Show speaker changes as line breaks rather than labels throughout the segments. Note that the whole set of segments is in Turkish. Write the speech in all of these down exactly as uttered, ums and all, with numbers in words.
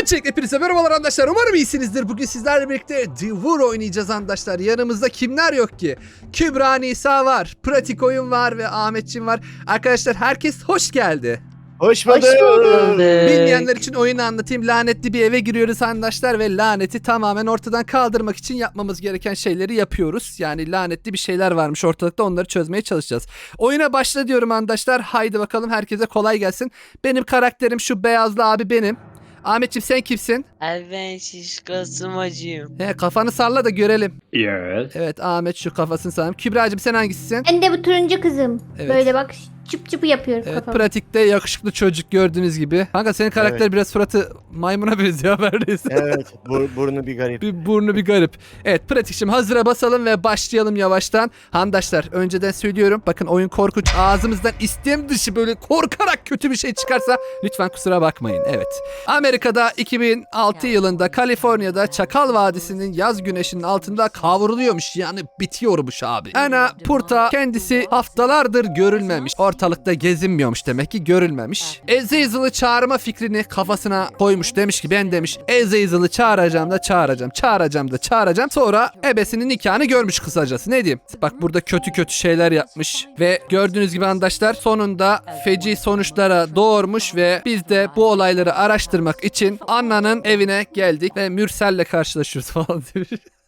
Öncelikle hepinize merhabalar arkadaşlar. Umarım iyisinizdir. Bugün sizlerle birlikte Devur oynayacağız arkadaşlar. Yanımızda kimler yok ki? Kübra Nisa var, Pratik Oyun var ve Ahmetçim var. Arkadaşlar herkes hoş geldi.
Hoş bulduk.
Hoş bulduk.
Bilmeyenler için oyunu anlatayım. Lanetli bir eve giriyoruz arkadaşlar ve laneti tamamen ortadan kaldırmak için yapmamız gereken şeyleri yapıyoruz. Yani lanetli bir şeyler varmış ortalıkta, onları çözmeye çalışacağız. Oyuna başla diyorum arkadaşlar. Haydi bakalım, herkese kolay gelsin. Benim karakterim şu beyazlı abi benim. Ahmetciğim sen kimsin?
Abi ben şişko sımacıyım.
He, kafanı salla da görelim.
Yes.
Evet, Ahmet şu kafasını sallam. Kübra'cığım sen hangisisin?
Ben de bu turuncu kızım.
Evet.
Böyle bak çıp çıpı yapıyorum
Evet,
kafamı.
pratikte yakışıklı çocuk gördüğünüz gibi. Kanka senin karakter
Evet.
biraz suratı maymuna benziyor neredeyse.
Evet, bur burnu bir garip.
Bir burnu bir garip. Evet pratikçim, hazıra basalım ve başlayalım yavaştan. Handaşlar önceden söylüyorum. Bakın oyun korkunç. Ağzımızdan istem dışı böyle korkarak kötü bir şey çıkarsa lütfen kusura bakmayın. Evet. Amerika'da iki bin altı yılında Kaliforniya'da Çakal Vadisi'nin yaz güneşinin altında kavruluyormuş. Yani bitiyormuş abi. Ana Purta kendisi haftalardır görülmemiş. Ortalıkta gezinmiyormuş, demek ki görülmemiş. Azazel'ı çağırma fikrini kafasına koymuş. Demiş ki ben demiş Azazel'ı çağıracağım da çağıracağım. Çağıracağım da çağıracağım. Sonra ebesinin nikahını görmüş kısacası. Ne diyeyim? Bak burada kötü kötü şeyler yapmış. Ve gördüğünüz gibi arkadaşlar sonunda feci sonuçlara doğurmuş ve biz de bu olayları araştırmak için Anna'nın evine geldik ve Mürsel'le karşılaşıyoruz falan demiş.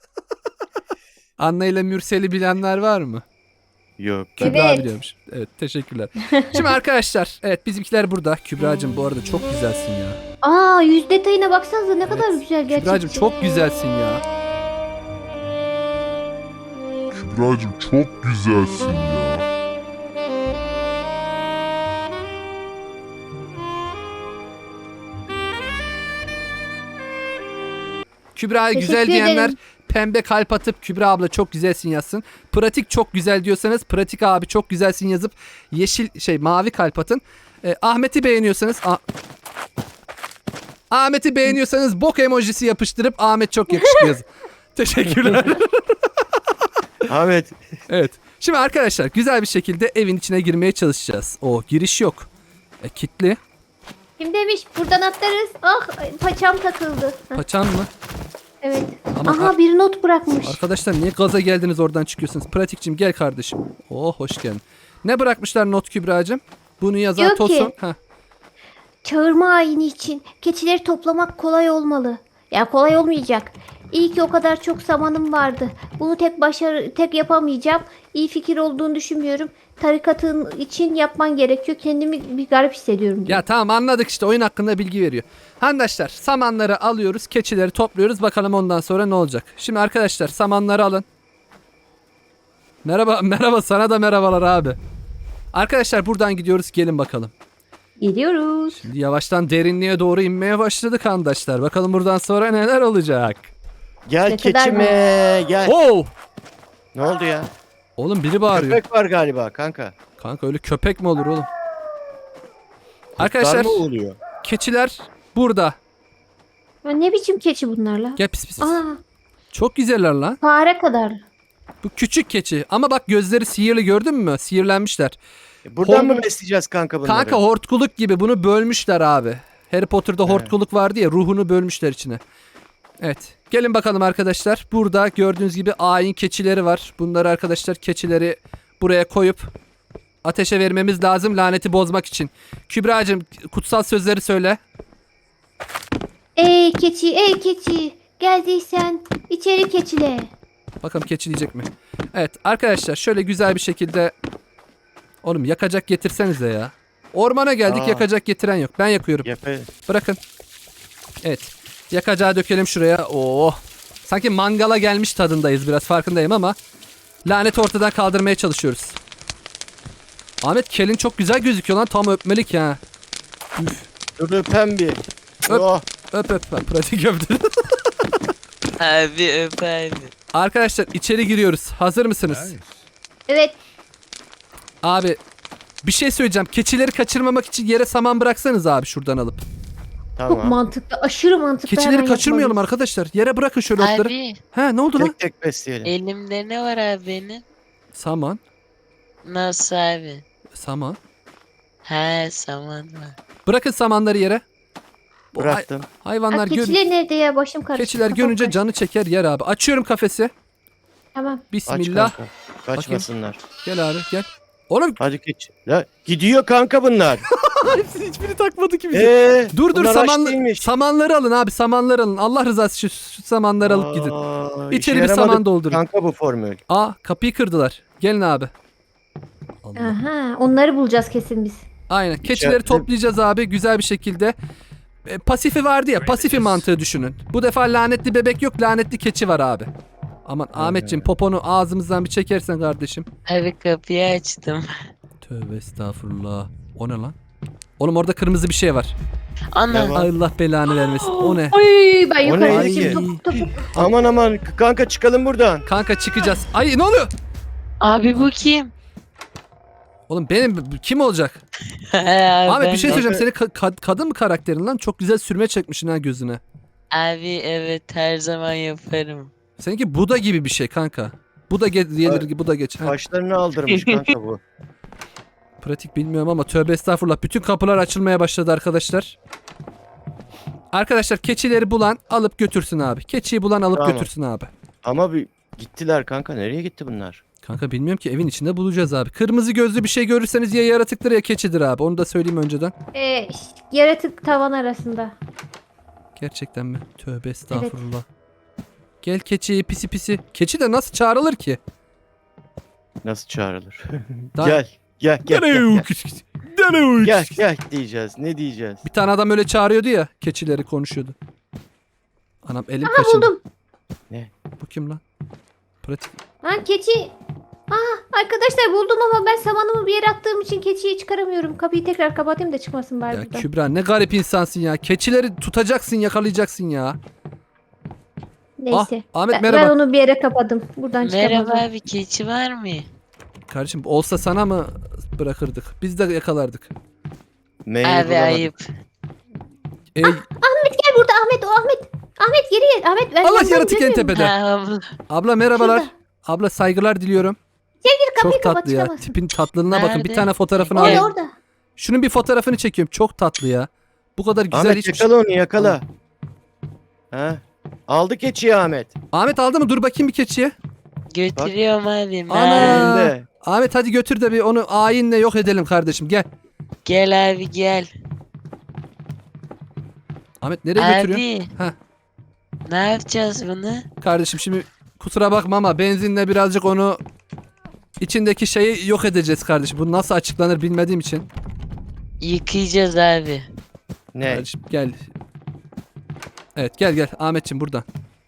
Anna ile Mürsel'i bilenler var mı?
Yok.
Kübra
Evet.
biliyormuş. Evet, teşekkürler. Şimdi arkadaşlar, evet bizimkiler burada. Kübra'cığım bu arada çok güzelsin ya.
Aa, yüz detayına baksanıza ne kadar güzel gerçekten.
Kübra'cığım çok güzelsin ya.
Kübra'cığım çok güzelsin ya.
Kübra'ya
Teşekkür
güzel diyenler
ederim.
pembe kalp atıp Kübra abla çok güzelsin yazsın. Pratik çok güzel diyorsanız Pratik abi çok güzelsin yazıp yeşil şey mavi kalp atın. Ee, Ahmet'i beğeniyorsanız Ah- Ahmet'i beğeniyorsanız bok emojisi yapıştırıp Ahmet çok yakışıklı yazın. Teşekkürler.
Ahmet.
Evet. Şimdi arkadaşlar güzel bir şekilde evin içine girmeye çalışacağız. O giriş yok. E, kilitli.
Kim demiş buradan atlarız. Ah, paçam takıldı. Heh,
Paçan mı?
evet.
Ama
Aha, bir not bırakmış.
arkadaşlar niye gaza geldiniz oradan çıkıyorsunuz? Pratikçim gel kardeşim. Oh hoş geldin. Ne bırakmışlar not Kübra'cığım? Bunu yazan
Diyor ki-
Tosun. Heh.
Çağırma ayini için keçileri toplamak kolay olmalı. Ya kolay olmayacak. İyi ki o kadar çok zamanım vardı. Bunu tek başarı tek yapamayacağım. İyi fikir olduğunu düşünmüyorum. Tarikatın için yapman gerekiyor. Kendimi bir garip hissediyorum diyor.
Ya tamam anladık, işte oyun hakkında bilgi veriyor. Arkadaşlar samanları alıyoruz, keçileri topluyoruz. Bakalım ondan sonra ne olacak. Şimdi arkadaşlar samanları alın. Merhaba merhaba sana da merhabalar abi. Arkadaşlar buradan gidiyoruz, gelin bakalım.
Geliyoruz.
Şimdi yavaştan derinliğe doğru inmeye başladık arkadaşlar. Bakalım buradan sonra neler olacak.
Gel
Ne kadar
keçime gel.
Oo!
Ne oldu ya?
Oğlum biri bağırıyor.
Köpek var galiba kanka.
Kanka öyle köpek mi olur oğlum?
Kurtlar
Arkadaşlar
mı oluyor?
keçiler burada.
Ya ne biçim keçi bunlar la?
Gel pis pis. pis.
Aa,
Çok güzeller lan.
fare kadar.
Bu küçük keçi ama bak gözleri sihirli, gördün mü? Sihirlenmişler.
E, buradan
Hor-
mı besleyeceğiz kanka bunları?
Kanka hortkuluk gibi bunu bölmüşler abi. Harry Potter'da
Evet.
hortkuluk vardı ya, ruhunu bölmüşler içine. Evet. Gelin bakalım arkadaşlar. Burada gördüğünüz gibi ayin keçileri var. Bunları arkadaşlar keçileri buraya koyup ateşe vermemiz lazım laneti bozmak için. Kübra'cığım kutsal sözleri söyle.
Ey keçi, ey keçi. Geldiysen içeri keçile.
Bakalım keçileyecek mi? Evet arkadaşlar şöyle güzel bir şekilde. Oğlum yakacak getirsenize ya. Ormana geldik,
Aa.
yakacak getiren yok. Ben yakıyorum.
Yapı.
Bırakın. Evet. Yakacağı dökelim şuraya. Oo. Sanki mangala gelmiş tadındayız, biraz farkındayım ama laneti ortadan kaldırmaya çalışıyoruz. Ahmet kelin çok güzel gözüküyor lan, tam öpmelik ya.
Dur öpem bir.
Öp.
Oh.
Öp öp. Bak, pratik öptü.
Abi öp abi.
Arkadaşlar içeri giriyoruz. Hazır mısınız?
Evet.
Abi bir şey söyleyeceğim. Keçileri kaçırmamak için yere saman bıraksanız abi, şuradan alıp.
Çok
Tamam.
mantıklı. Aşırı mantıklı.
Keçileri
Hemen
kaçırmayalım
yapmalıyız.
arkadaşlar. Yere bırakın şöyle otları.
Abi
He ne oldu lan?
Tek tek besleyelim.
elimde ne var abi benim?
Saman.
Nasıl abi?
Saman.
He saman var.
Bırakın samanları yere. Bu hay-
Bıraktım.
hayvanlar
Aa,
gör
keçiler nerede ya? Başım karıştı.
keçiler
kafam
görünce
karıştı.
canı çeker yer abi. Açıyorum kafesi.
Tamam.
Aç
Bismillah.
kanka. Kaçmasınlar.
Gel abi gel. Oğlum
Hadi geç. La, gidiyor kanka bunlar.
hepsini hiçbiri takmadı ki bizi.
Eee?
Dur dur
bunlar aç
samanlı,
değilmiş.
samanları alın abi samanları alın. Allah rızası için şu, şu samanları alıp gidin.
Aa,
İçeri
işe
bir
yaramadı
saman doldurun.
Kanka bu formül.
Aa kapıyı kırdılar. Gelin abi. Allah.
Aha, onları bulacağız kesin biz.
Aynen. Keçileri
İçeride-
toplayacağız abi güzel bir şekilde. E, pasifi vardı ya. Pasifi mantığı düşünün. Bu defa lanetli bebek yok. Lanetli keçi var abi. Aman Ahmetciğim poponu ağzımızdan bir çekersen kardeşim.
Abi kapıyı açtım.
Tövbe estağfurullah. O ne lan? Oğlum orada kırmızı bir şey var.
Ana.
Ne var?
Allah belanı vermesin. O ne?
Oy ben
O ne?
yukarı
Ay.
geçeyim. Topuk topuk.
Aman aman kanka çıkalım buradan.
Kanka çıkacağız. Ay ne oluyor?
Abi bu kim?
Oğlum benim kim olacak?
Abi
Ahmet
ben
bir şey
de-
söyleyeceğim. Senin ka- kad- kadın mı karakterin lan? Çok güzel sürme çekmişsin ha gözüne.
Abi evet her zaman yaparım.
Seninki Buda gibi bir şey kanka. Buda ge- gelir gibi Buda geç. Ha,
Taşlarını aldırmış kanka bu.
pratik bilmiyorum ama tövbe estağfurullah. Bütün kapılar açılmaya başladı arkadaşlar. Arkadaşlar keçileri bulan alıp götürsün abi. Keçiyi bulan alıp
Tamam.
götürsün abi.
Ama bir gittiler kanka. Nereye gitti bunlar?
Kanka bilmiyorum ki evin içinde bulacağız abi. Kırmızı gözlü bir şey görürseniz ya yaratıktır ya keçidir abi. Onu da söyleyeyim önceden.
Ee, yaratık tavan arasında.
Gerçekten mi? Tövbe estağfurullah. Gel keçi pisi pisi. Keçi de nasıl çağrılır ki?
Nasıl çağrılır?
Daha-
Gel. Gel gel gel. Gel
Gel.
gel, gel diyeceğiz. Ne diyeceğiz?
Bir tane adam öyle çağırıyordu ya. Keçileri konuşuyordu. Anam elim
Aha
kaşındı.
buldum.
Bu kim lan? Pratik.
Lan keçi. Aa, arkadaşlar buldum ama ben samanımı bir yere attığım için keçiyi çıkaramıyorum. Kapıyı tekrar kapatayım da çıkmasın bari
Ya
buradan.
Kübra ne garip insansın ya. Keçileri tutacaksın yakalayacaksın ya.
Neyse.
Ah, Ahmet
ben,
merhaba.
ben onu bir yere kapadım. Buradan
Merhaba
çıkamazım.
abi keçi var mı?
Kardeşim olsa sana mı bırakırdık? Biz de yakalardık.
Mail
Abi
bulamadım.
ayıp.
Ey,
Gel burada Ahmet o Ahmet. Ahmet geri gel. Ahmet ben
Allah
yandan
yaratık en
görmüyorum.
tepede.
Ha, abla.
Abla merhabalar.
Şurada.
Abla saygılar diliyorum.
Kapıyı
Çok
kapat,
tatlı ya.
çıkamazsın.
Tipin tatlılığına bakın. Bir
Nerede?
tane fotoğrafını
Orada
alayım.
orada.
Şunun bir fotoğrafını çekiyorum. Çok tatlı ya. Bu kadar güzel
Ahmet
hiçbir şey.
yakala onu yakala. Ha? Aldı keçiyi Ahmet.
Ahmet aldı mı? Dur bakayım bir keçiye.
Götürüyorum abi.
Ana.
Mer-
Elinde.
Ahmet hadi götür de bir onu ayinle yok edelim kardeşim. Gel.
Gel abi gel.
Ahmet nereye götürüyorsun?
Abi.
Heh.
Ne yapacağız bunu?
Kardeşim şimdi kusura bakma ama benzinle birazcık onu içindeki şeyi yok edeceğiz kardeşim. Bu nasıl açıklanır bilmediğim için.
Yıkayacağız abi.
Ne?
Kardeşim gel. Evet gel gel Ahmetciğim buradan.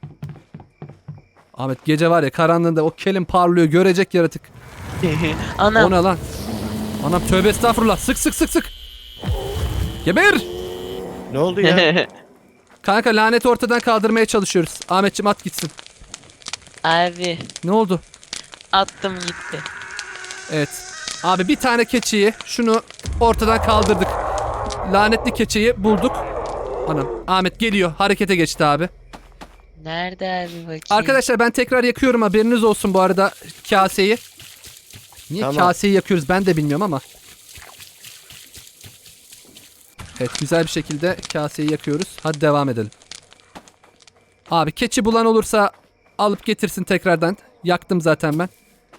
Ahmet gece var ya karanlığında o kelim parlıyor görecek yaratık. O
Anam.
ne lan? Anam tövbe estağfurullah sık sık sık sık. Geber.
Ne oldu ya?
Kanka laneti ortadan kaldırmaya çalışıyoruz. Ahmetciğim at gitsin.
Abi
Ne oldu?
attım gitti.
Evet. Abi bir tane keçiyi şunu ortadan kaldırdık. Lanetli keçiyi bulduk. Anam Ahmet geliyor. Harekete geçti abi.
Nerede abi bakayım?
Arkadaşlar ben tekrar yakıyorum haberiniz olsun bu arada kaseyi. Niye
Tamam.
kaseyi yakıyoruz ben de bilmiyorum ama. Evet güzel bir şekilde kaseyi yakıyoruz. Hadi devam edelim. Abi keçi bulan olursa alıp getirsin tekrardan. Yaktım zaten ben.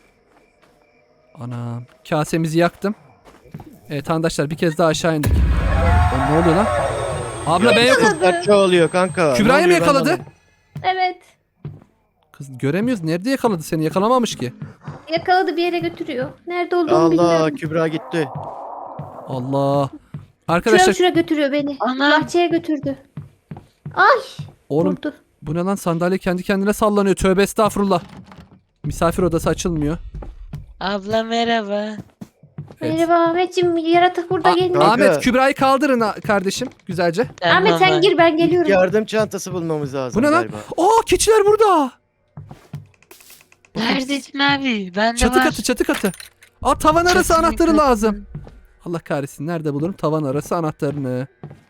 Anam kasemizi yaktım. Evet arkadaşlar bir kez daha aşağı indik. O, ne oluyor lan? Abla ben yokum.
Kızlar çoğalıyor kanka. Ne
Kübra'yı mı
oluyor ben
yakaladı?
anlamadım.
Evet.
Kız göremiyoruz. Nerede yakaladı seni? Yakalamamış ki.
Yakaladı bir yere götürüyor. Nerede olduğunu
Allah
bilmiyorum.
Kübra gitti.
Allah.
Şuraya
Arkadaşlar
şuraya götürüyor beni.
Anam.
Bahçeye götürdü. Ay.
oğlum
Vurdu.
bu ne lan sandalye kendi kendine sallanıyor. Tövbe estağfurullah. Misafir odası açılmıyor.
Abla merhaba.
Evet.
Merhaba Ahmetciğim yaratık burada
A-
gelin.
Kanka.
Ahmet Kübra'yı kaldırın ha- kardeşim güzelce.
Ahmet sen
Tamam.
gir ben geliyorum.
Yardım çantası bulmamız lazım
Bu ne lan?
galiba.
Aa keçiler burada.
Neredesin abi? Ben de
Çatı
var.
katı çatı katı. Aa tavan arası
Çatı
anahtarı
katı.
lazım. Allah kahretsin nerede bulurum tavan arası anahtarını.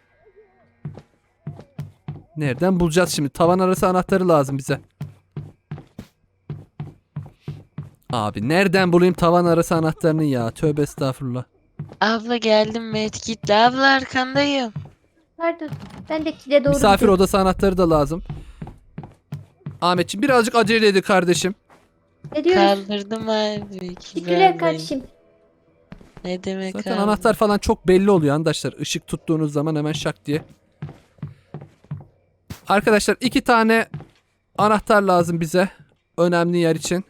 Nereden bulacağız şimdi? Tavan arası anahtarı lazım bize. Abi nereden bulayım tavan arası anahtarını ya? Tövbe estağfurullah.
Abla geldim medkitle. Abla arkandayım.
Nerede? Ben de kile doğru
Misafir
gidiyorum.
odası anahtarı da lazım. Ahmetciğim birazcık acele edin kardeşim.
Ne diyoruz?
Kaldırdım abi.
Teşekkürler
Kibra'yı.
kardeşim.
Ne demek
Zaten
abi?
anahtar falan çok belli oluyor arkadaşlar. Işık tuttuğunuz zaman hemen şak diye. Arkadaşlar iki tane anahtar lazım bize. Önemli yer için.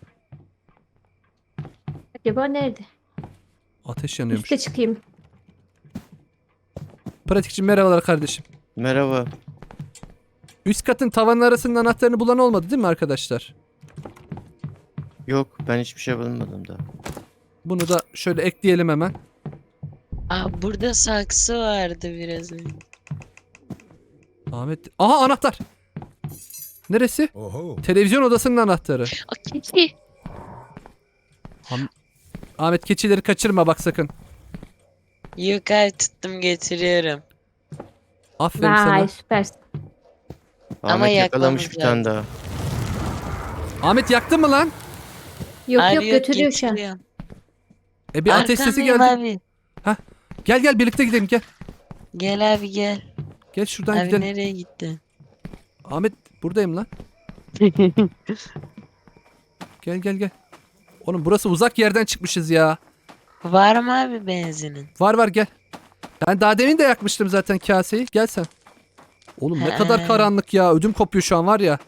Acaba nerede?
Ateş yanıyormuş.
Üste çıkayım.
Pratikçim merhabalar kardeşim.
Merhaba.
Üst katın tavanın arasının anahtarını bulan olmadı değil mi arkadaşlar?
Yok, ben hiçbir şey bulmadım da.
Bunu da şöyle ekleyelim hemen.
Aa, burada saksı vardı biraz önce.
Ahmet. Aha anahtar. Neresi? Televizyon odasının anahtarı.
Aa, keçi.
Ahmet keçileri kaçırma bak sakın.
Yok abi, tuttum getiriyorum.
Aferin sana.
Vay süpersin.
Ama
Ahmet yakalamış
yakmamız
bir tane daha.
Ahmet yaktın mı lan?
Yok
Abi
yok götürüyor şu an.
getiriyorum.
E bir ateş sesi
Arkandayım
geldi.
Abi.
Gel gel birlikte gidelim gel.
Gel abi gel.
Gel şuradan
Abi
gidelim.
nereye gittin?
Ahmet buradayım lan. Gel gel gel. Oğlum burası uzak yerden çıkmışız ya.
Var mı abi benzinin?
Var var gel. Ben daha demin de yakmıştım zaten kaseyi. Gel sen. Oğlum ne
He.
kadar karanlık ya. Ödüm kopuyor şu an var ya.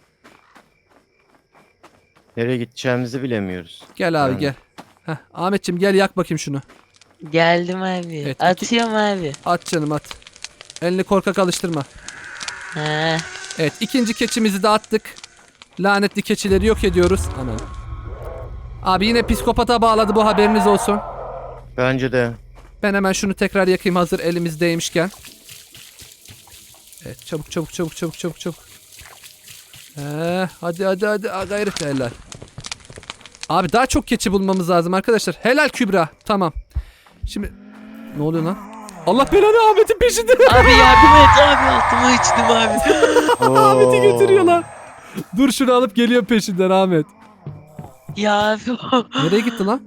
Nereye gideceğimizi bilemiyoruz.
Gel abi
Yani.
gel. Heh, Ahmetciğim gel yak bakayım şunu.
Geldim abi.
Evet, iki-
Atıyorum abi.
At canım at. Elini korkak alıştırma.
Ha.
Evet ikinci keçimizi de attık. Lanetli keçileri yok ediyoruz. Aman. Abi yine psikopata bağladı bu haberiniz olsun.
Bence de.
Ben hemen şunu tekrar yakayım hazır elimizdeymişken. Evet çabuk çabuk çabuk çabuk çabuk çabuk. Ee, hadi hadi hadi ha, gayret helal. Abi daha çok keçi bulmamız lazım arkadaşlar. Helal Kübra. Tamam. Şimdi ne oluyor lan? Allah belanı Ahmet'in peşinde.
Abi yardım et abi, altıma içtim abi.
Ahmet'i götürüyorlar. Dur şunu alıp geliyor peşinden Ahmet.
Ya abi.
Nereye gitti lan?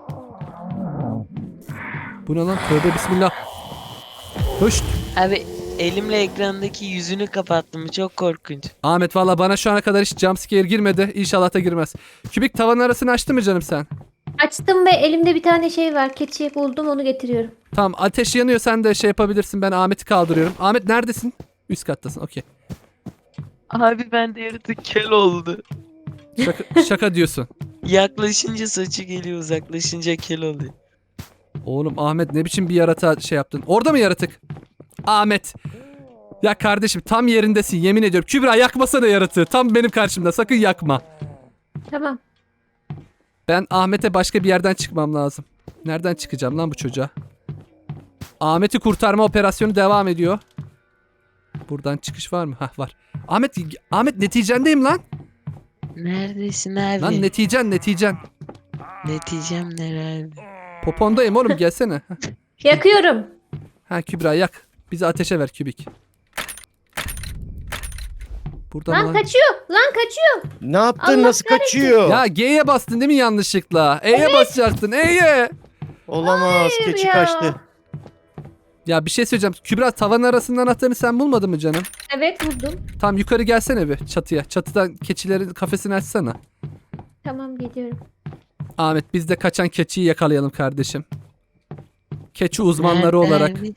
Bu ne lan? Tövbe bismillah. Hoş.
Abi elimle ekrandaki yüzünü kapattım, çok korkunç.
Ahmet valla bana şu ana kadar hiç jumpscare girmedi. İnşallah da girmez. Kübik tavanın arasını açtı mı canım sen?
Açtım ve elimde bir tane şey var. Keçi buldum, onu getiriyorum.
Tamam ateş yanıyor sen de şey yapabilirsin. Ben Ahmet'i kaldırıyorum. Ahmet neredesin? Üst kattasın okey.
Abi ben de yaratık kel oldu.
Şaka, şaka diyorsun.
Yaklaşınca saçı geliyor, uzaklaşınca kel oluyor.
Oğlum Ahmet ne biçim bir yaratığa şey yaptın? Orada mı yaratık? Ahmet. Ya kardeşim tam yerindesin yemin ediyorum. Kübra yakmasana yaratığı. Tam benim karşımda sakın yakma.
Tamam.
Ben Ahmet'e başka bir yerden çıkmam lazım. Nereden çıkacağım lan bu çocuğa? Ahmet'i kurtarma operasyonu devam ediyor. Buradan çıkış var mı? Hah var. Ahmet Ahmet neticendeyim lan.
Neredesin abi?
Lan neticen neticen.
Neticem ne abi?
Popondayım oğlum gelsene. Hah.
Yakıyorum.
Ha Kübra yak. Bizi ateşe ver kübik. Buradan
Lan
lan.
kaçıyor. Lan kaçıyor.
Ne yaptın?
Allah
Nasıl kaçıyor?
Ya G'ye bastın değil mi yanlışlıkla? E'ye basacaktın. E'ye.
Olamaz.
Hayır
Keçi
ya.
kaçtı.
Ya bir şey söyleyeceğim. Kübra tavan arasının anahtarını sen bulmadın mı canım?
Evet buldum.
Tam yukarı gelsene bir çatıya. Çatıdan keçilerin kafesini açsana.
Tamam geliyorum.
Ahmet biz de kaçan keçiyi yakalayalım kardeşim. Keçi uzmanları
Nerede
olarak
abi?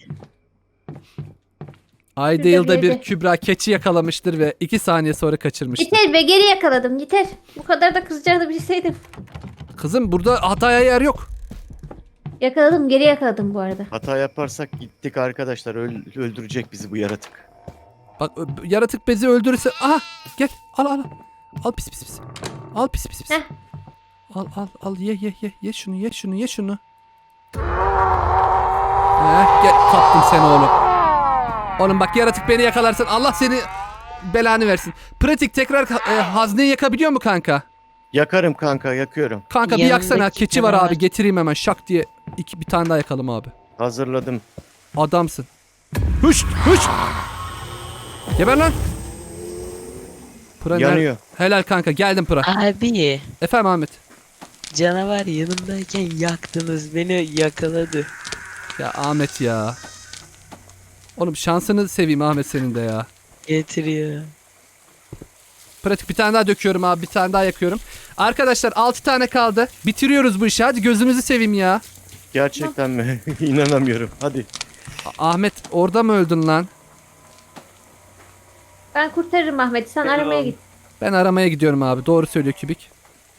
ayda
Şurada
yılda
bir
bir
yerde.
Kübra keçi yakalamıştır ve iki saniye sonra kaçırmıştır.
Yeter be, geri yakaladım yeter. Bu kadar da kızacağını bilseydim.
Kızım burada hataya yer yok.
Yakaladım, geri yakaladım bu arada.
Hata yaparsak gittik arkadaşlar. Öl- öldürecek bizi bu yaratık.
Bak ö- yaratık bezi öldürürse... Aha gel al al al. Al pis pis pis. Al pis pis pis.
Heh.
Al al al ye ye ye. Ye şunu ye şunu ye şunu. Heh, gel kaptım seni oğlum. Oğlum bak yaratık beni yakalarsan Allah seni belanı versin. Pratik tekrar e, hazneyi yakabiliyor mu kanka?
Yakarım kanka, yakıyorum.
Kanka bir
Yanındaki
yaksana keçi var
canavar.
abi getireyim hemen şak diye. İki, bir tane daha yakalım abi.
Hazırladım.
Adamsın. Hış hış. Geber lan. Pıra ner-
Yanıyor.
Helal kanka geldim Pıra.
Abi
Efendim Ahmet.
canavar yanımdayken yaktınız, beni yakaladı.
Ya Ahmet ya. Oğlum şansını seveyim Ahmet senin de ya.
Getiriyor.
Pratik bir tane daha döküyorum abi. Bir tane daha yakıyorum. Arkadaşlar altı tane kaldı. Bitiriyoruz bu işi. Hadi gözünüzü seveyim ya.
Gerçekten mi? İnanamıyorum. Hadi.
A- Ahmet orada mı öldün lan?
Ben kurtarırım Ahmet'i. Sen
Eyvallah.
aramaya git.
Ben aramaya gidiyorum abi. Doğru söylüyor Kübik.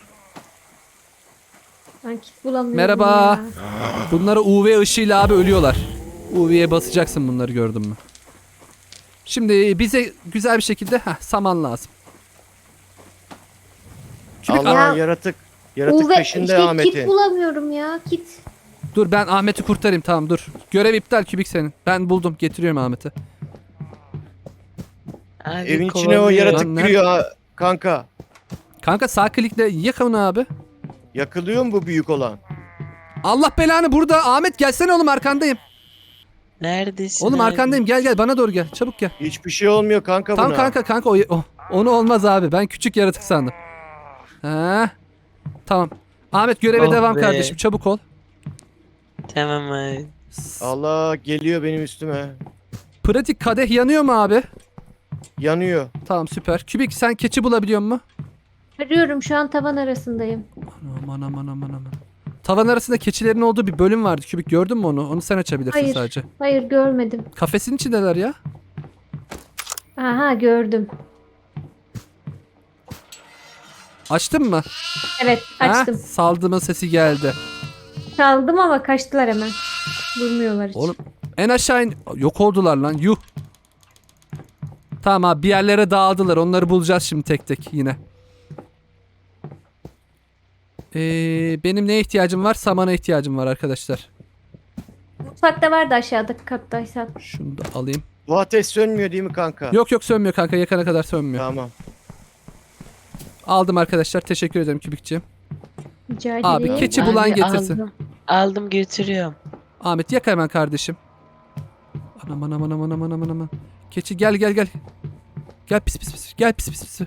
Ben kit bulamıyorum
Merhaba.
ya.
Bunlara U V ışığıyla abi ölüyorlar. U V'ye basacaksın bunları gördün mü? Şimdi bize güzel bir şekilde heh, saman lazım. Kübik
Allah
Ya-
yaratık. Yaratık
U V
peşinde
işte kit
Ahmet'in.
bulamıyorum ya. Kit.
dur ben Ahmet'i kurtarayım tamam dur. Görev iptal Kübik senin. Ben buldum getiriyorum Ahmet'i.
Abi,
Evin içine o
kovalıyor.
yaratık
Lan nerede?
giriyor ha, kanka.
Kanka sağ klikle yak onu abi.
Yakılıyor mu bu büyük olan?
Allah belanı burada. Ahmet gelsene oğlum arkandayım.
Neredesin
Oğlum
abi?
arkandayım gel gel bana doğru gel. Çabuk gel.
Hiçbir şey olmuyor kanka
Tamam
buna.
kanka kanka o, o- onu olmaz abi. Ben küçük yaratık sandım. Ha. Tamam. Ahmet göreve
Oh
devam
be.
kardeşim. Çabuk ol.
Tamam abi.
Allah geliyor benim üstüme.
Pratik kadeh yanıyor mu abi?
Yanıyor.
Tamam süper. Kübik sen keçi bulabiliyor musun?
Arıyorum şu an tavan arasındayım.
Aman aman aman aman. Tavan arasında keçilerin olduğu bir bölüm vardı. Kübik gördün mü onu? Onu sen açabilirsin
Hayır.
sadece.
Hayır görmedim.
Kafesin içindeler ya.
Aha gördüm.
Açtın mı?
Evet açtım.
Ha? Saldırma sesi geldi.
Çaldım ama kaçtılar hemen. Durmuyorlar hiç.
Oğlum en aşağı in... Yok oldular lan yuh. Tamam abi bir yerlere dağıldılar. Onları bulacağız şimdi tek tek yine. Ee, benim neye ihtiyacım var? Samana ihtiyacım var arkadaşlar.
Mutfakta vardı aşağıdaki kattaysan.
Şunu da alayım.
Bu ateş sönmüyor değil mi kanka?
Yok yok sönmüyor kanka. Yakana kadar sönmüyor.
Tamam.
Aldım arkadaşlar. Teşekkür ederim Kübikçiğim.
Rica
Abi,
ederim.
keçi bulan
Abi,
getirsin.
Aldım. Aldım götürüyorum.
Ahmet yak hemen kardeşim. Anam anam anam anam anam anam, anam. Keçi gel gel gel. Gel pis pis pis. Gel pis pis pis.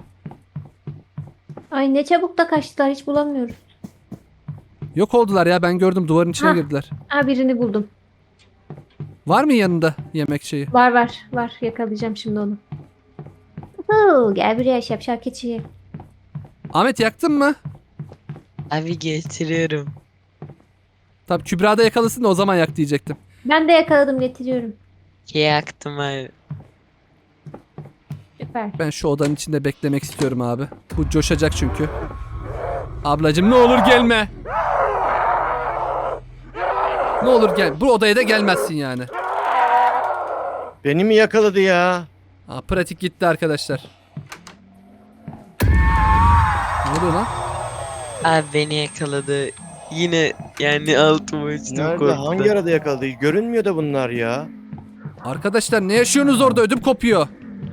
Ay ne çabuk da kaçtılar hiç bulamıyoruz.
Yok oldular ya ben gördüm duvarın içine
Hah.
girdiler.
Aa birini buldum.
Var mı yanında yemek şeyi?
Var var var yakalayacağım şimdi onu. Huu, gel buraya şapşal keçi.
Ahmet yaktın mı?
Abi getiriyorum.
Tabii Kübra da yakalasın da o zaman yak diyecektim.
Ben de yakaladım getiriyorum.
Yaktım abi.
Süper.
Ben şu odanın içinde beklemek istiyorum abi. Bu coşacak çünkü. Ablacım ne olur gelme. Ne olur gel. Bu odaya da gelmezsin yani.
Beni mi yakaladı ya?
Aa, pratik gitti arkadaşlar. Ne oluyor lan?
Abi beni yakaladı. Yine yani altıma uçtum
Nerede?
korkudan.
Hangi arada yakaladı? Görünmüyor da bunlar ya.
Arkadaşlar ne yaşıyorsunuz orada? Ödüm kopuyor.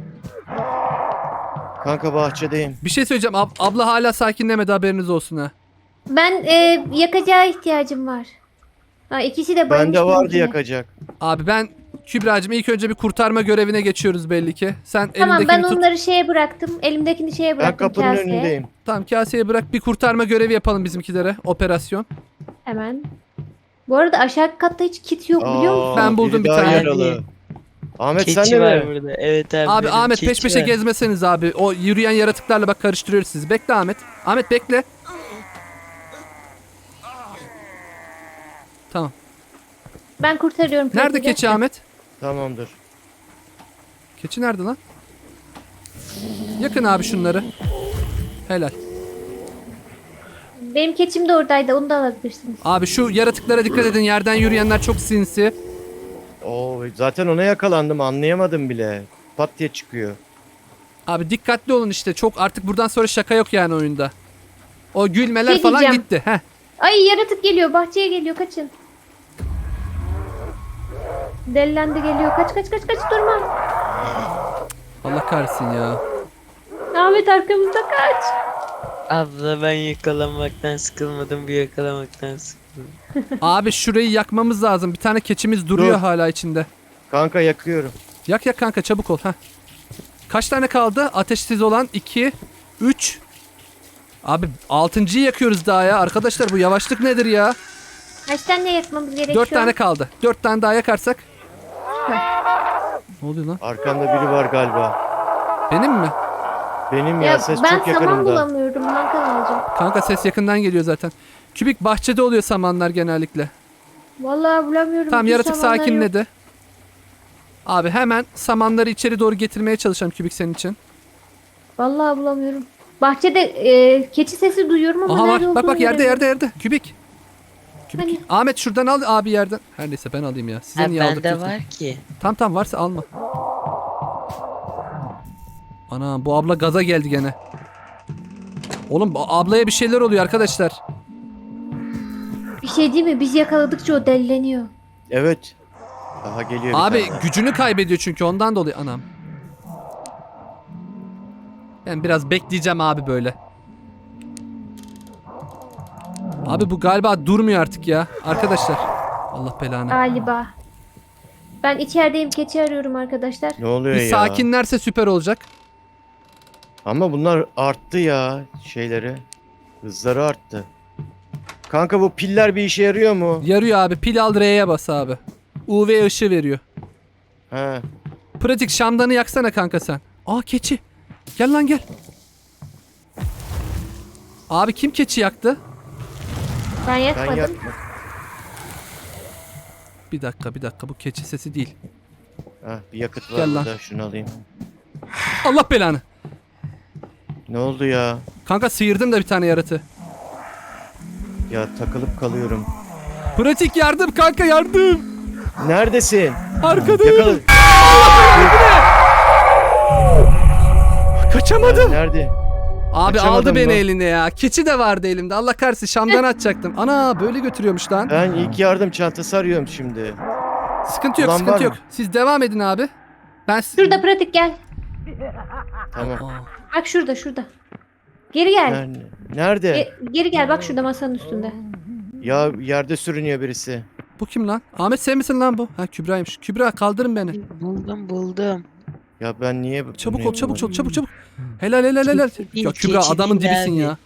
Kanka bahçedeyim.
Bir şey söyleyeceğim. Ab- abla hala sakinlemedi haberiniz olsun ha.
Ben e, yakacağa ihtiyacım var. Ha, ikisi de bayılmış.
Bende vardı
bizimkine.
yakacak.
Abi ben Kübra'cığım ilk önce bir kurtarma görevine geçiyoruz belli ki. Sen
Tamam
elindekini
ben
tut.
onları şeye bıraktım. Elimdekini şeye
Ben
bıraktım
kapının
kaseye.
önündeyim.
Tamam kaseye bırak bir kurtarma görevi yapalım bizimkilere. Operasyon.
Hemen. Bu arada aşağı katta hiç kit yok biliyor
Aa,
musun?
Ben buldum
biri
bir
daha
tane.
yaralı. Ahmet
Keçi
sen de
var
mi?
burada. Evet abi.
Abi
benim
Ahmet peş
keçi
peşe
var.
gezmeseniz abi. O yürüyen yaratıklarla bak karıştırıyoruz sizi. Bekle Ahmet. Ahmet bekle. Tamam.
Ben kurtarıyorum.
Nerede
pratiği.
keçi Ahmet?
Tamamdır.
Keçi nerede lan? Yakın abi şunları. Helal.
Benim keçim de oradaydı. Onu da alabilirsiniz.
Abi şu yaratıklara dikkat edin. Yerden yürüyenler çok sinsi.
Oo, zaten ona yakalandım anlayamadım bile. Pat diye çıkıyor.
Abi dikkatli olun işte. Çok artık buradan sonra şaka yok yani oyunda. O gülmeler
Şey
falan
diyeceğim.
gitti. Heh.
Ay yaratık geliyor. Bahçeye geliyor. Kaçın. Delilendi geliyor. Kaç kaç kaç kaç durma.
Allah kahretsin ya.
Ahmet arkamızda kaç.
Abla ben yakalanmaktan sıkılmadım. Bir yakalamaktan sıkıldım.
Abi şurayı yakmamız lazım. Bir tane keçimiz duruyor
Dur.
hala içinde.
Kanka yakıyorum.
Yak yak kanka çabuk ol. Heh. Kaç tane kaldı? Ateşsiz olan iki, üç. Abi altıncıyı yakıyoruz daha ya. Arkadaşlar bu yavaşlık nedir ya?
Kaç tane yakmamız gerekiyor?
Dört tane kaldı. Dört tane daha yakarsak. Ne oluyor lan?
Arkamda biri var galiba.
Benim mi?
Benim ya,
Ya
ses
ben
çok
saman
yakınımda.
bulamıyorum. Hangi alacağım?
Kanka ses yakından geliyor zaten. Kübik bahçede oluyor samanlar genellikle.
Vallahi bulamıyorum.
Tamam
Bütün
yaratık
samanlar yok.
sakinledi. Abi hemen samanları içeri doğru getirmeye çalışacağım Kübik senin için.
Vallahi bulamıyorum. Bahçede e, keçi sesi duyuyorum ama
Aha
nerede
bak bak
olduğunu
bak yerde
göremiyorum.
yerde yerde. Kübik. Kübik.
Hani?
Ahmet şuradan al abi yerden. Her neyse ben alayım ya. Size
Ha,
niye
bende
aldırtıyorsun?
var ki.
Tamam tamam varsa alma. Ana bu abla gaza geldi gene. Oğlum bu ablaya bir şeyler oluyor arkadaşlar.
Bir şey değil mi? Biz yakaladıkça o delleniyor.
Evet. Daha geliyor bir
Abi
tane.
gücünü kaybediyor çünkü ondan dolayı anam. Ben biraz bekleyeceğim abi böyle. Abi bu galiba durmuyor artık ya arkadaşlar. Allah belanı.
Galiba. Ben içerideyim. Keçi arıyorum arkadaşlar.
Ne oluyor
Bir
ya?
sakinlerse süper olacak.
Ama bunlar arttı ya şeyleri. Hızları arttı. Kanka bu piller bir işe yarıyor mu?
Yarıyor abi. Pil al R'ye bas abi. U V ışığı veriyor.
He.
Pratik şamdanı yaksana kanka sen. Aa keçi. Gel lan gel. Abi kim keçi yaktı?
Ben
Ben
yakmadım.
yak...
Bir dakika bir dakika bu keçi sesi değil.
Heh, bir yakıt var
Gel lan.
burada. Şunu alayım.
Allah belanı.
Ne oldu ya?
Kanka sıyırdım da bir tane yaratı.
Ya takılıp kalıyorum.
Pratik yardım kanka yardım.
Neredesin?
Arkadayım.
Yakala.
Kaçamadım.
Nerede?
Abi
Kaçamadın
aldı beni
mı?
eline ya. Keçi de vardı elimde. Allah kahretsin şamdan atacaktım. Ana böyle götürüyormuş lan.
Ben ilk yardım çantası arıyorum şimdi.
Sıkıntı yok
Ulan var
sıkıntı
mı?
yok. Siz devam edin abi. Ben... s-
Şurada pratik gel.
Tamam.
Aa,
Bak şurada şurada. Geri gel.
Nerede? Nerede?
Ge- geri gel bak şurada masanın üstünde.
Ya yerde sürünüyor birisi.
bu kim lan? Ahmet sen misin lan bu? Ha Kübra'ymış. Kübra kaldırın beni.
Buldum buldum.
Ya ben niye...
Çabuk
niye
ol çabuk ol
bulamadım?
çabuk çabuk. Helal helal helal.
Keçi değil,
Ya Kübra
keçi
adamın
değil
dibisin
abi.
ya.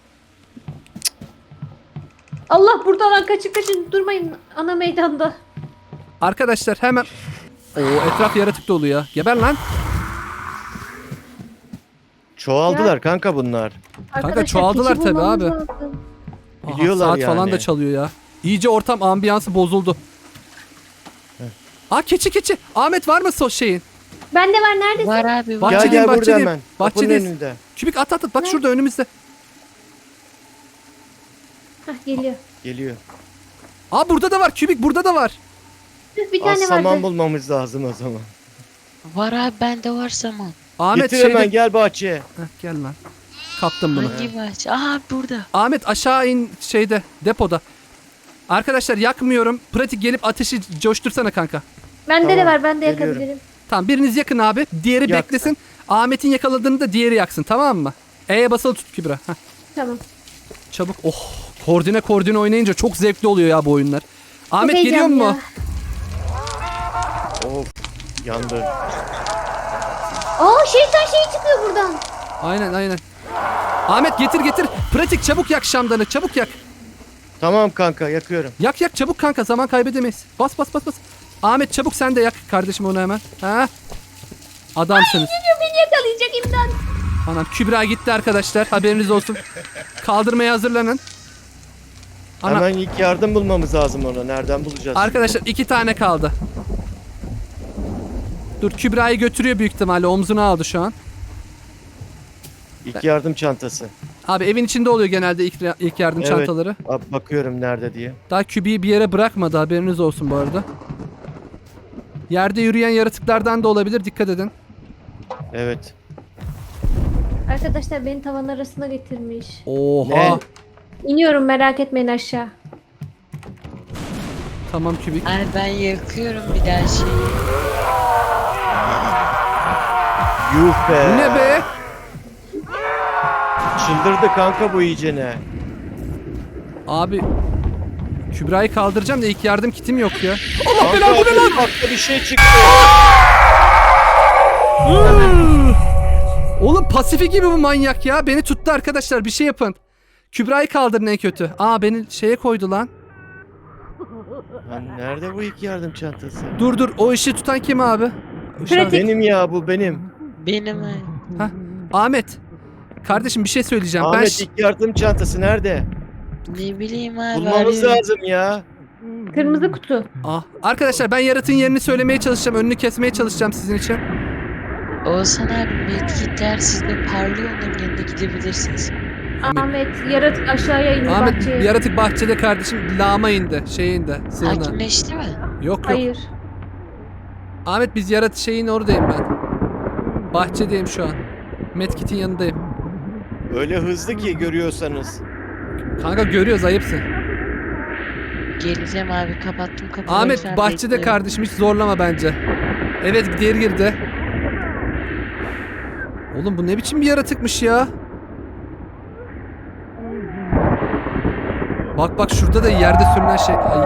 Allah buradan kaçın kaçın durmayın ana meydanda.
Arkadaşlar hemen... Oo etraf yaratık dolu ya. Geber lan.
Çoğaldılar kanka bunlar.
Arkadaşlar,
çoğaldılar
keçi
tabii
bulmamız
abi.
lazım.
Aha,
Biliyorlar
saat falan
yani.
da çalıyor ya. İyice ortam ambiyansı bozuldu. Aa keçi keçi. Ahmet var mı so şeyin?
Bende var neredesin?
Var abi var.
Bahçedeyim,
Gel gel burada
bahçedeyim.
hemen. Kapının
Bahçedeyiz.
önünde.
Kübik at at at. Bak şurada önümüzde.
Hah geliyor.
Geliyor.
Aa burada da var. Kübik burada da var.
Tüh, bir
Az
tane
saman
vardı.
bulmamız lazım o zaman.
Var abi bende var saman.
Ahmet
Getir
şeyde...
hemen gel bahçeye.
Heh, gel lan. Kaptım bunu.
Hangi bahçe? Aha burada.
Ahmet aşağı in şeyde depoda. Arkadaşlar yakmıyorum. Pratik gelip ateşi coştursana kanka.
Bende de
Tamam,
var ben de
geliyorum.
yakabilirim.
Tamam biriniz yakın abi. Diğeri
Yak.
beklesin. Ahmet'in yakaladığını da diğeri yaksın tamam mı? E'ye basılı tut Kübra. Heh,
Tamam.
çabuk. Oh koordine koordine oynayınca çok zevkli oluyor ya bu oyunlar. Ahmet
Çok
geliyor
heyecanlı
mu?
ya.
Of. Yandı.
Aa şeytan şey çıkıyor buradan.
Aynen aynen. Ahmet getir getir. Pratik çabuk yak şamdanı çabuk yak.
Tamam kanka yakıyorum.
Yak yak çabuk kanka zaman kaybedemeyiz. Bas bas bas bas. Ahmet çabuk sen de yak kardeşim onu hemen. Ha? Adamsınız.
Geliyor beni yakalayacak imdat.
Anam Kübra gitti arkadaşlar haberiniz olsun. Kaldırmaya hazırlanın. Ana,
Hemen ilk yardım bulmamız lazım ona. Nereden bulacağız?
arkadaşlar iki tane kaldı. Dur Kübra'yı götürüyor büyük ihtimalle omzuna aldı şu an.
İlk yardım çantası.
Abi evin içinde oluyor genelde ilk, ilk yardım
Evet.
çantaları.
Abi bakıyorum nerede diye.
Daha Kübi'yi bir yere bırakmadı haberiniz olsun bu arada. Yerde yürüyen yaratıklardan da olabilir dikkat edin.
Evet.
Arkadaşlar beni tavan arasına getirmiş.
Oha.
Ne?
İniyorum merak etmeyin aşağı.
Tamam Kübik.
Abi ben yakıyorum bir daha şeyi.
Yuh be.
Bu ne be?
Çıldırdı kanka bu iyicene.
Abi Kübra'yı kaldıracağım da ilk yardım kitim yok ya. Allah
Kanka
belanı bu ne lan?
bak bir şey çıktı.
Oğlum pasifi gibi bu manyak ya. Beni tuttu arkadaşlar bir şey yapın. Kübra'yı kaldırın en kötü. Aa beni şeye koydu lan.
Lan nerede bu ilk yardım çantası?
Dur dur o işi tutan kim abi? Uşağı-
Pratik.
Benim ya bu benim.
Benim abi.
Hah, Ahmet. Kardeşim bir şey söyleyeceğim. ben
Ahmet
ş-
ilk yardım çantası nerede?
Ne bileyim abi.
Bulmamız
arıyorum.
lazım ya.
Kırmızı kutu.
Ah, arkadaşlar ben yaratığın yerini söylemeye çalışacağım. Önünü kesmeye çalışacağım sizin için.
Oğuzhan abi medkitler sizde parlıyor, onların yanına gidebilirsiniz.
Ahmet yaratık aşağıya indi
Ahmet
bahçeye.
yaratık bahçede kardeşim. Lağma indi. Şey indi. Sığına.
Hakimleşti mi?
Yok yok.
Hayır.
Ahmet biz yaratı şeyin oradayım ben. Bahçedeyim şu an. Medkit'in yanındayım.
Öyle hızlı ki görüyorsanız.
Kanka görüyoruz ayıpsın.
Geleceğim abi, kapattım kapıyı.
Ahmet
Lütfen
bahçede
bekleyin.
kardeşim hiç zorlama bence. Evet diğer girdi. Oğlum bu ne biçim bir yaratıkmış ya? Bak bak şurada da yerde sürünen şey. Ay.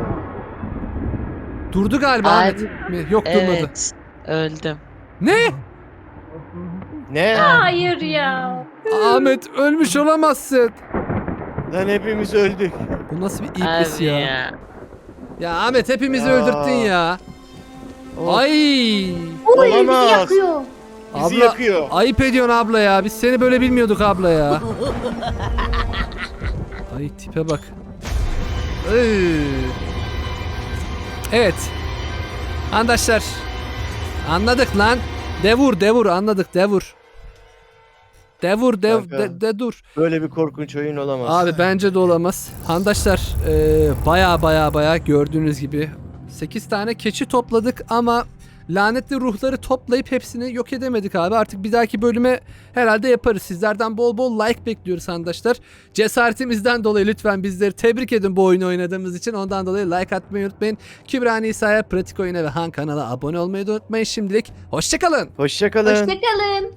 Durdu galiba
Abi,
Ahmet. Mi? Yok durmadı.
Evet, öldüm.
Ne?
Ne?
Hayır ya.
Ahmet ölmüş olamazsın.
Lan hepimiz öldük.
Bu nasıl bir iblis
Abi
ya?
ya.
Ya Ahmet hepimizi
Ya.
öldürttün ya.
Of,
Ay.
Uy bizi
Olamaz.
yakıyor.
bizi
Abla
yakıyor.
ayıp ediyorsun abla ya. Biz seni böyle bilmiyorduk abla ya. Ay tipe bak. Iy. Evet. Arkadaşlar. Anladık lan. Devur devur anladık devur. Devur dev
Kanka.
de, de dur.
Böyle bir korkunç oyun olamaz.
Abi bence de olamaz. Handaşlar eee baya baya baya gördüğünüz gibi sekiz tane keçi topladık ama lanetli ruhları toplayıp hepsini yok edemedik abi. Artık bir dahaki bölüme herhalde yaparız. Sizlerden bol bol like bekliyoruz handaşlar. Cesaretimizden dolayı lütfen bizleri tebrik edin bu oyunu oynadığımız için. Ondan dolayı like atmayı unutmayın. Kübra Nisa'ya, Pratik Oyun'a ve Han kanala abone olmayı da unutmayın. Şimdilik hoşçakalın.
Hoşçakalın.
Hoşçakalın.